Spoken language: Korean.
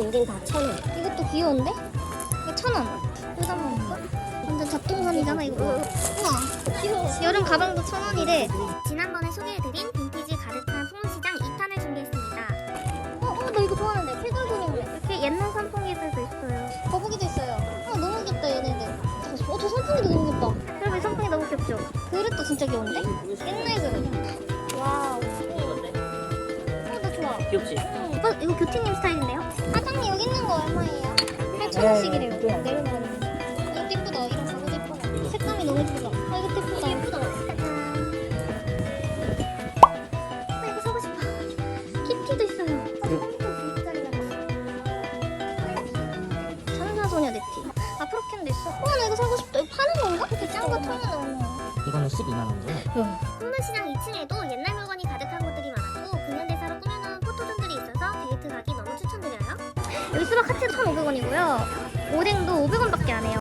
댕댕 다 1,000원. 이것도 귀여운데? 이거 1,000원. 여기다 한번 볼까? 완전 잡동선이잖아 이거. 우와 귀여워. 여름 가방도 1,000원이래. 지난번에 소개해드린 빈티지 가득한 풍물시장 2탄을 준비했습니다. 나 이거 좋아하는데 필돌그림네. 이렇게 옛날 선풍기들도 있어요. 거북이도 있어요. 너무 귀엽다 얘네들. 저 선풍기도 너무 귀엽다. 그리고 이 선풍기 너무 귀엽죠? 그릇도 진짜 귀여운데? 옛날 그릇. 와우. 나 좋아. 귀엽지? 이거 교티님 스타일인데요? 사장님 여기 있는 거 얼마예요? 8,000원씩이래요. 내려놓는 이거 예쁘다. 이런 가구도 예쁘다. 색감이 너무 예쁘다. 이거 예쁘다. 예쁘다. 나 이거 사고 싶어. 키티도 있어요. 천사소녀 네티. 아프로캔도 있어. 나 이거 사고 싶다. 이거 파는 건가? 이렇게 짠거 털어놓은 거. 이거는 12만 원이죠? 풍물시장 2층에도 옛날 물건이 가득한 곳들이 많았고 근현대사로 꾸며놓은 포토존들이 있어서 데이트 가기 너무 추천드려요. 여기 수박 하트 1,500원이고요. 오뎅도 500원밖에 안 해요.